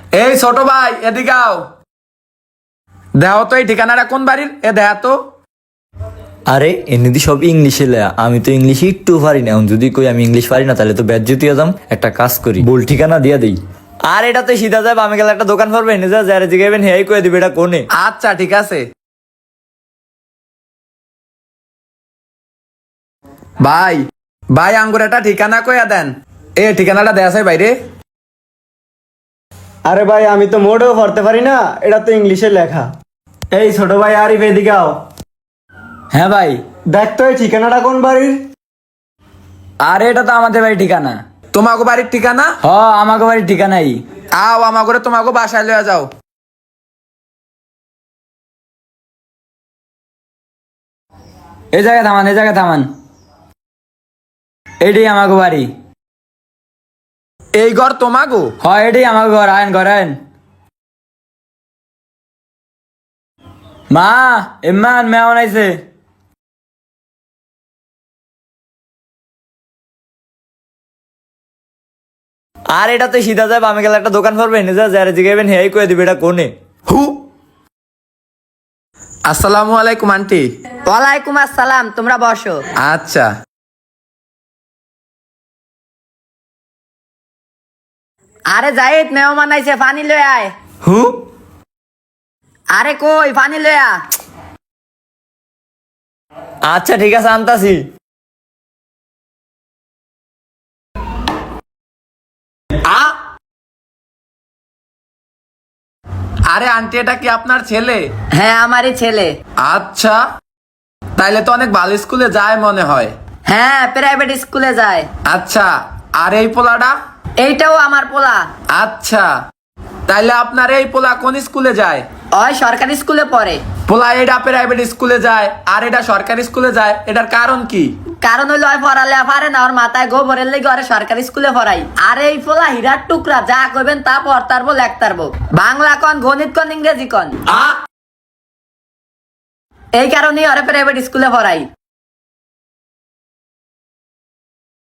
এই ছোট ভাই এদিকে আও। দেও তো এই ঠিকানাটা কোন বাড়ির, এ দেয়া তো। আরে এমনিতে সব ইংলিশে লেয়া, আমি তো ইংলিশ একটু পারি না। এখন যদি কই আমি ইংলিশ পারি না তাহলে তো বেজ্জতি হয়ে যাম। একটা কাজ করি, ভুল ঠিকানা দিয়া দেই। আর এটা তো সিধা যাবে, আমি গেলে একটা দোকান পড়বে এনে যা যারা জিগাইবেন হেয়াই কয়ে দিবে এটা কোনে। আচ্ছা ঠিক আছে। ভাই ভাই আঙ্গুর একটা ঠিকানা কইয়া দেন। এ ঠিকানাটা দেয়া আছে বাইরে। আরে ভাই আমি তো মোটেও পড়তে পারি না, এটা তো ইংলিশে লেখা। এই ছোট ভাই আরিফ এদিকে আও। হ্যাঁ ভাই। দেখ তো এই ঠিকানাটা কোন বাড়ির। আরে এটা তো আমাদের বাড়ির ঠিকানা। তোমাগো বাড়ির ঠিকানা? হ, আমাকে বাড়ির ঠিকানাই। আও আমাগরে তোমাগো বাসায় লইয়া যাও। এই জায়গায় থামান, এই জায়গায় থামান। এটাই আমাকে বাড়ি। এই ঘর তোমাগো? হয় এটাই আমাকে ঘর, আয়েন ঘর আয়েন। মা, ইমান মেহমান আইছে। আর এটা তো সিধা যাবে, আমি গেলে একটা দোকান পড়বে এনে যা যারা জিগাইবেন হেয়াই কয়ে দিবে এটা কোনে। হু। আসসালামু আলাইকুম আন্টি। ওয়ালাইকুম আসসালাম, তোমরা বসো। আচ্ছা। আরে জাহিদ মেহমান আইছে, পানি লয়ে আয়। হু। আরে কই পানি লয়ে আ। আচ্ছা ঠিক আছে, আনতাছি। আ আরে আন্টি এটা কি আপনার ছেলে? হ্যাঁ আমারই ছেলে। আচ্ছা, তাইলে তো অনেক ভালো স্কুলে যায় মনে হয়। হ্যাঁ প্রাইভেট স্কুলে যায়। আচ্ছা, আর এই পোলাটা? এইটাও আমার পোলা। আচ্ছা, তাইলে আপনার এই পোলা কোন স্কুলে যায়? ওই সরকারি স্কুলে পড়ে। পোলা এটা প্রাইভেট স্কুলে যায় আর এটা সরকারি স্কুলে যায়, এটার কারণ কি? কারণ হইলো ওই পড়ালে পারে না, ওর মাথায় গোবরের লেগে ওরে সরকারি স্কুলে পড়াই। আর এই পোলা হীরার টুকরা, যা কইবেন তা পড়তারবো লেখতারবো। বাংলা কন, গণিত কন, ইংরেজি কন। আ এই কারণেই ওরে প্রাইভেট স্কুলে পড়াই।